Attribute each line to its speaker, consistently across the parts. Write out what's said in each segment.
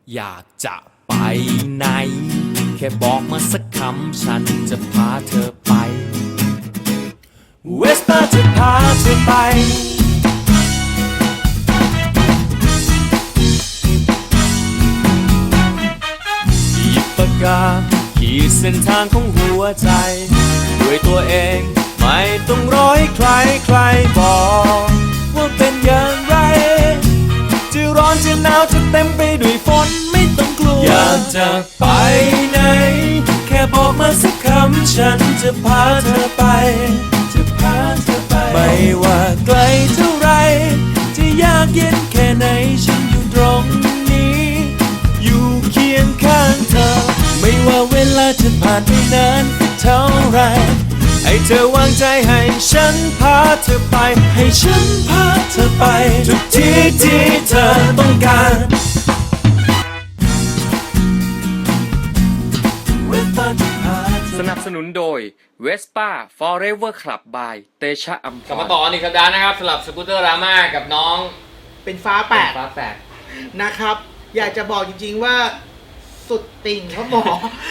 Speaker 1: อยากจะไปไหนแค่บอกมาสักคำฉันจะพาเธอไปเวสป้าจะพาเธอไปหยิบปากกาขีดเส้นทางของหัวใจด้วยตัวเองไม่ต้องรอให้ใครบอกว่าเป็นอย่างไรจะร้อนจะหนาวจะเต็มไปด้วยฝนไม่ต้องกลัวอยากจะไปไหนแค่บอกมาสักคำฉันจะพาเธอไปไม่ว่าไกลเท่าไรจะยากเย็นแค่ไหนฉันอยู่ตรงนี้อยู่เคียงข้างเธอไม่ว่าเวลาจะผ่านไปนานเท่าไรให้เธอวางใจให้ฉันพาเธอไปให้ฉันพาเธอไปทุกที่ที่เธอต้องการสนับสนุนโดย Vespa Forever Club by เตชะอัมพร
Speaker 2: กลับมาต่ออีกสัปดาห์นะครับสำหรับสกูตเตอร์ราม่ากับน้อง
Speaker 3: เป็นฟ้าแปด
Speaker 2: ฟ้าแปด
Speaker 3: นะครับ อยากจะบอกจริงๆว่าสุดติ่งครับหมอ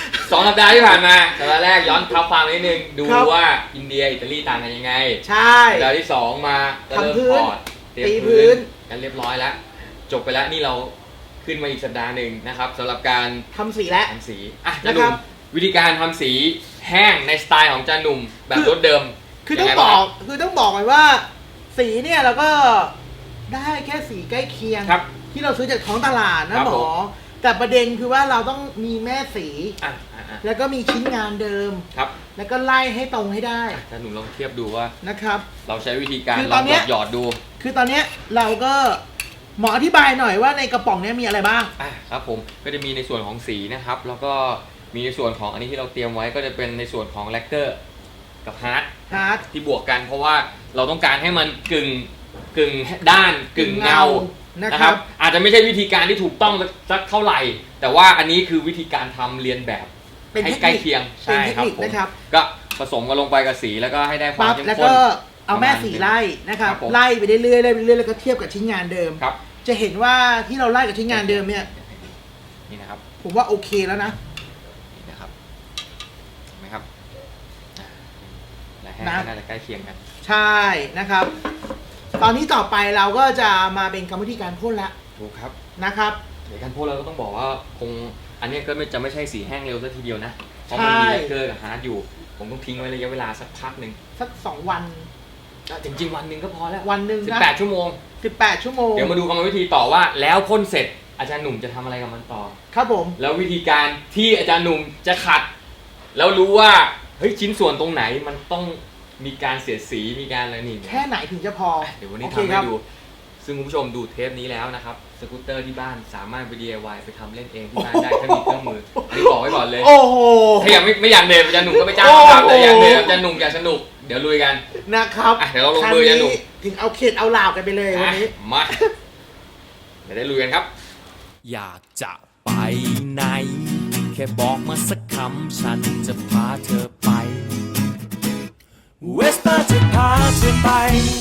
Speaker 2: 2 สัปดาห์ที่ผ่านมาสัปดาห์แรกย้อนทับความนิดนึงดู
Speaker 3: ครับ
Speaker 2: ว่าอินเดียอิตาลีต่างกันยังไง
Speaker 3: ใช่
Speaker 2: สัปดาห์ที่ 2 มาก็เริ่ม
Speaker 3: ทำพื้น
Speaker 2: พอร์ตเตรียม
Speaker 3: ตีพื้
Speaker 2: พื้น
Speaker 3: น
Speaker 2: กันเรียบร้อยแล้ว จบไปแล้วนี่เราขึ้นมาอีกสัปดาห์หนึ่งนะครับสำหรับการ
Speaker 3: ทำสีแล้ว
Speaker 2: ทำสีอ่ะ
Speaker 3: นะ
Speaker 2: จะ
Speaker 3: ค
Speaker 2: ดู
Speaker 3: รับ
Speaker 2: วิธีการทำสีแห้งในสไตล์ของจาหนุ่มแบบรถเดิม
Speaker 3: คือต้อง
Speaker 2: ยังไง
Speaker 3: บ
Speaker 2: บ้า
Speaker 3: อง กไว้ว่า สีเนี่ยเราก็ได้แค่สีใกล้เคียง
Speaker 2: ครับ
Speaker 3: ที่เราซื้อจากท้องตลาด
Speaker 2: ค
Speaker 3: นะ
Speaker 2: รับ
Speaker 3: หม
Speaker 2: ผ
Speaker 3: อ
Speaker 2: ม
Speaker 3: แต่ประเด็นคือว่าเราต้องมีแม่สี
Speaker 2: อ่ะ
Speaker 3: แล้วก็มีชิ้นงานเดิม
Speaker 2: ครับ
Speaker 3: แล้วก็ไล่ให้ตรงให้ได้
Speaker 2: จาหนุ่มลองเทียบดูว่า
Speaker 3: นะครับ
Speaker 2: เราใช้วิธีการ
Speaker 3: คือ
Speaker 2: ล
Speaker 3: ต
Speaker 2: อ
Speaker 3: อง นเนี้ย
Speaker 2: หยอดดู
Speaker 3: คือตอนเนี้ยเราก็หมออธิบายหน่อยว่าในกระป๋องเนี้ยมีอะไรบ้าง
Speaker 2: ครับผมก็จะมีในส่วนของสีนะครับแล้วก็มีในส่วนของอันนี้ที่เราเตรียมไว้ก็จะเป็นในส่วนของแลกเกอร์กับฮาร์ด
Speaker 3: ฮาร์ด
Speaker 2: ที่บวกกันเพราะว่าเราต้องการให้มันกึ่งด้านกึ่งเงา
Speaker 3: นะครับ
Speaker 2: อาจจะไม่ใช่วิธีการที่ถูกต้องสักเท่าไหร่ แต่ว่าอันนี้คือวิธีการทำเรียนแบบ
Speaker 3: เป็น
Speaker 2: ให้
Speaker 3: เทค
Speaker 2: ใกล้
Speaker 3: นิค
Speaker 2: เคียง
Speaker 3: เป็นเทคนิค
Speaker 2: ผม
Speaker 3: นะครับ
Speaker 2: ก็ผสมกันลงไปกับสีแล้วก็ให้ได้ความ
Speaker 3: ปั๊บ
Speaker 2: เข้ม
Speaker 3: แล้ว
Speaker 2: ข้น
Speaker 3: ก็เอาแม่สีไล่นะครับ
Speaker 2: ครับผม
Speaker 3: ไล่ไปเรื่อยๆไล่ไปเรื่อยๆแล้วก็เทียบกับชิ้นงานเดิม
Speaker 2: ครับ
Speaker 3: จะเห็นว่าที่เราไล่กับชิ้นงานเดิมเนี่ย
Speaker 2: นี่นะครับ
Speaker 3: ผมว่าโอเคแล้วนะ
Speaker 2: นี่นะครับเห็นไหมครับและแห้ง
Speaker 3: นะ
Speaker 2: ก็น่าจะใกล้เคียงกัน
Speaker 3: ใช่นะครับ ตอนนี้ต่อไปเราก็จะมาเป็นกรรมวิธีการพ่นละ
Speaker 2: ถูกครับ
Speaker 3: นะครับ
Speaker 2: เดี๋ยวการพ่นเราก็ต้องบอกว่าคงอันนี้ก็จะไม่ใช่สีแห้งเร็วซะทีเดียวนะเพราะมันมี
Speaker 3: ใช่
Speaker 2: แลกเกอร์กับฮาร์ดอยู่ ผมต้องทิ้งไว้ระยะเวลาสักพักหนึ่ง
Speaker 3: สัก2 วัน
Speaker 2: จริงๆวันหนึ่งก็พอแล้ว
Speaker 3: วันหนึ่งนะ
Speaker 2: 18 ชั่วโมง
Speaker 3: 18 ชั่วโมง
Speaker 2: เดี๋ยวมาดูกรรมวิธีต่อว่า แล้วพ่นเสร็จอาจารย์หนุ่มจะทำอะไรกับมันต่อ
Speaker 3: ครับผม
Speaker 2: แล้ววิธีการที่อาจารย์หนุ่มจะขัด แล้วรู้ว่าเฮ้ยชิ้นส่วนตรงไหนมันต้องมีการเสียดสีมีการอะไรนี่
Speaker 3: แค่ไหนถึงจะพอ
Speaker 2: เดี๋ยววันนี้
Speaker 3: โอเค
Speaker 2: ทำ
Speaker 3: ค
Speaker 2: ให้
Speaker 3: รับ
Speaker 2: ดู ซึ่งคุณผู้ชมดูเทปนี้แล้วนะครับสกูตเตอร์ที่บ้านสามารถไป DIY ไปทำเล่นเองที่บ้านได้ถ้ามีเครื่องมืออันนี้บอกไว้ก่อนเลย
Speaker 3: โอ้โห
Speaker 2: ถ้าอยากไม่อยากเดินอาจารย์หนุ่มก็ไปจ้าง
Speaker 3: โอ้โห
Speaker 2: ทำแต่อยากเดินอาจารย์หนุ่มอยากสนุกเดี๋ยวลุยกัน
Speaker 3: นะครับ
Speaker 2: เดี๋ยวเราลงมือกันหนุ่ม
Speaker 3: ครั้งถึงเอาเข็ดเอาหลาบกันไปเลยวันนี้
Speaker 2: มาเดี๋ยวได้ลุยกันครับ
Speaker 1: อยากจะไปไหนแค่บอกมาสักคำฉันจะพาเธอไปเวสป้าจะพาเธอไป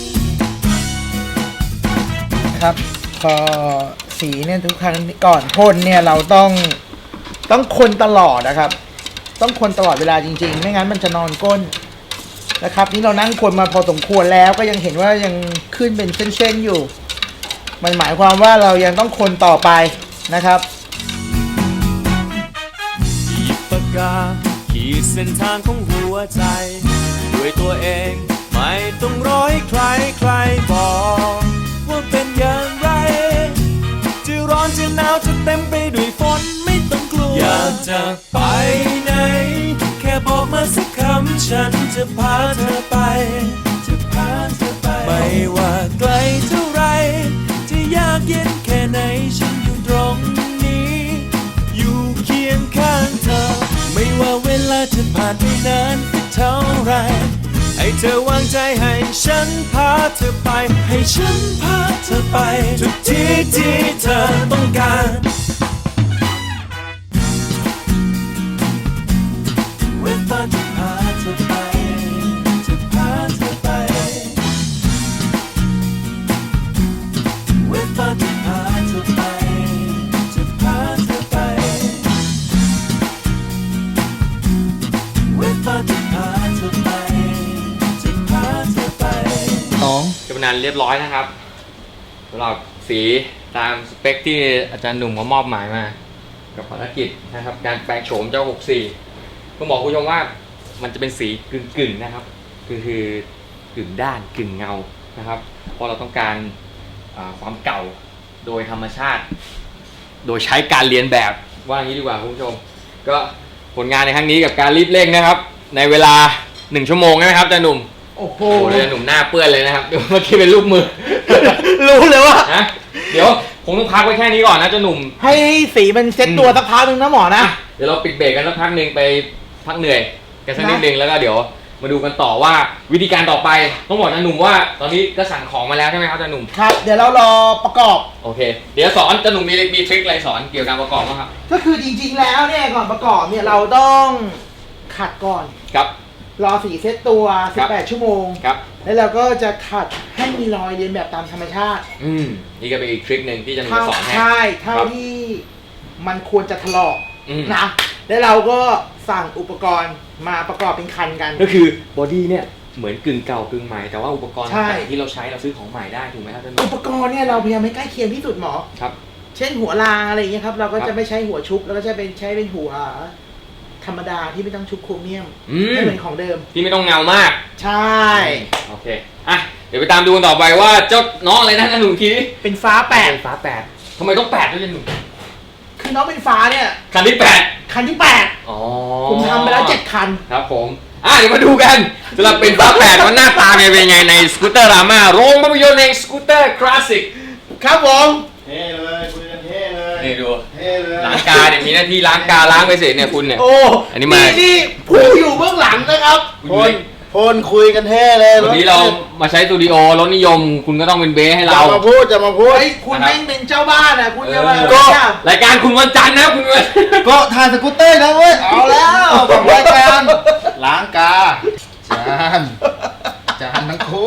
Speaker 3: ครับพอสีเนี่ยทุกครั้งก่อนพ่นเนี่ยเราต้องคนตลอดนะครับ ต้องคนตลอดเวลาจริงๆ ไม่งั้นมันจะนอนก้นนะครับ นี่เรานั่งคนมาพอสมควรแล้วก็ยังเห็นว่ายังขึ้นเป็นเส้นๆอยู่ มันหมายความว่าเรายังต้องคนต่อไปนะครับ
Speaker 1: หยิบปากกาขีดเส้นทางของหัวใจด้วยตัวเองไม่ต้องรอให้ใครบอกว่าเป็นอย่างไรจะร้อนจะหนาวจะเต็มไปด้วยฝนไม่ต้องกลัวอยากจะไปไหนแค่บอกมาสักคำฉันจะพาเธอไปไม่ว่าไกลเท่าไรจะยากเย็นแค่ไหนฉันอยู่ตรงนี้อยู่เคียงข้างเธอไม่ว่าเวลาจะผ่านไปนานเท่าไรให้เธอวางใจให้ฉันพาเธอไปให้ฉันพาเธอไปทุกที่ที่เธอต้องการเวลาจะพาเธอไปจะพาเธอไปเวลาจะพาเธอไปจะพาเธอ
Speaker 2: านเรียบร้อยนะครับสำหรับสีตามสเปคที่อาจารย์หนุ่มเขามอบหมายมากับภารกิจนะครับการแปลงโฉมเจ้า 64ต้องบอกคุณผู้ชมว่ามันจะเป็นสีกึ่งๆนะครับคือกึ่งด้านกึ่งเงานะครับเพราะเราต้องการความเก่าโดยธรรมชาติ โดยใช้การเรียนแบบว่าอย่างนี้ดีกว่าคุณผู้ชมก็ผลงานในครั้งนี้กับการรีบเร่งนะครับในเวลา1 ชั่วโมงนะครับอาจารย์หนุ่ม
Speaker 3: โอ้โห
Speaker 2: โอ้โหเลยหนุ่มหน้าเปื้อนเลยนะครับ เมื่อกี้เป็นรูปมือ
Speaker 3: รู้เลยว่า
Speaker 2: นะเดี๋ยวคงต้องพักไว้แค่นี้ก่อนนะเจ้าหนุ่ม
Speaker 3: ให้สีมันเซ็ตตัวสักพักหนึ่งนะหมอนะ
Speaker 2: เดี๋ยวเราปิดเบรกกันสักพักหนึ่งไปพักเหนื่อยกันสักนิดนึงแล้วก็เดี๋ยวมาดูกันต่อว่าวิธีการต่อไปต้องบอกอาจารย์หนุ่มว่าตอนนี้ก็สั่งของมาแล้วใช่ไหมครับอาจารย์หนุ่ม
Speaker 3: ครับ เดี๋ยวเรารอประกอบ
Speaker 2: โอเคเดี๋ยวสอนอาจารย์หนุ่มมีทริคอะไรสอนเกี่ยวกับการประกอบบ้างครับ
Speaker 3: ก็คือจริงๆแล้วเนี่ยก่อนประกอบเนี่ยเราต้องขัดก่อน
Speaker 2: ครับ
Speaker 3: รอสีเซ็ตตัว
Speaker 2: ครับ
Speaker 3: 18 ชั่วโมง
Speaker 2: ครับ
Speaker 3: แล้วเราก็จะขัดให้มีรอยเรียนแบบตามธรรมชาติ
Speaker 2: นี่ก็เป็นอีกทริคหนึ่งที่อาจารย์หนุ่ม
Speaker 3: เท่า
Speaker 2: จะสอนให้
Speaker 3: ใช่เท่า
Speaker 2: ครับ
Speaker 3: ที่มันควรจะถลอก
Speaker 2: อืม
Speaker 3: นะ แล้วเราก็สั่งอุปกรณ์มาประกอบเป็นคันกัน
Speaker 2: ก็คือบอดี้เนี่ยเหมือนกึ่งเก่ากึ่งใหม่แต่ว่าอุปกรณ์
Speaker 3: ใช่
Speaker 2: ต่างๆที่เราใช้เราซื้อของใหม่ได้ถูกไหมครับอาจารย์หนุ่
Speaker 3: อุ
Speaker 2: ม
Speaker 3: ปกรณ์เนี่ยเราพยายามให้ใกล้เคียงที่สุดหมอ
Speaker 2: ครับ
Speaker 3: เช่นหัวรางอะไรอย่างเงี้ยครับ เราก็
Speaker 2: ครั
Speaker 3: จะ
Speaker 2: บ
Speaker 3: ไม่ใช้หัวชุบแล้วก็จะใช้เป็นหัวธรรมดาที่ไม่ต้องชุบโครเมียม
Speaker 2: อืม
Speaker 3: ไม่เหมือนของเดิม
Speaker 2: ที่ไม่ต้องเงามาก
Speaker 3: ใช่
Speaker 2: โอเคอ่ะเดี๋ยวไปตามดูกันต่อไปว่าเจ้าน้องอะไรนะอาจารย์หนุ่มทีนี้
Speaker 3: เป็นฟ้าแปด
Speaker 2: เป็นฟ้า8ทำไมต้อง8ด้วยอาจารย์หนุ่ม
Speaker 3: คือน้องเป็นฟ้าเนี่ย
Speaker 2: คันที่8
Speaker 3: คันที่ 8
Speaker 2: อ๋อ
Speaker 3: ผมทำไปแล้ว7 คัน
Speaker 2: ครับผมเดี๋ยวมาดูกันสำหรับเป็นฟ้า8ว่าหน้าตาเป็นยังไงในสกูตเตอร์ราม่าโรงภาพยนตร์ในสกูตเตอร์คลาสสิก
Speaker 3: ครับผม
Speaker 4: เท่เลยคุยกันเท่เลย
Speaker 2: นี่ดู
Speaker 4: เท่เลย
Speaker 2: ล้างกาเนี่ยมีหน้าที่ล้างกาล้างไปเสร็จเนี่ยคุณเนี่ย
Speaker 3: โอ้
Speaker 2: อันนี้มา
Speaker 3: นี่ผู้อยู่เบื้องหลังนะครับ
Speaker 4: พลคุยกันเท่เลย
Speaker 2: วันนี้เรามาใช้สตูดิโอรถนิยม คุณก็ต้องเป็นเบสให้
Speaker 4: จะ
Speaker 2: เรา
Speaker 4: มาพูดจะมาพูด
Speaker 3: เฮ้ยคุณแม่งเป็นเจ้าบ้านอ่ะคุณจะมา
Speaker 2: ก็
Speaker 3: เนี่ย
Speaker 2: รายการคุณวันจันทร์นะคุณวัน
Speaker 4: ก็ถ่ายสกูตเตอร์นะเว้ยเอาแล้วกับรายการล้างกาจานทั้งคู่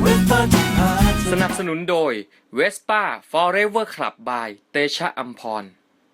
Speaker 2: สนับสนุนโดย Vespa Forever Club by เตชะอัมพร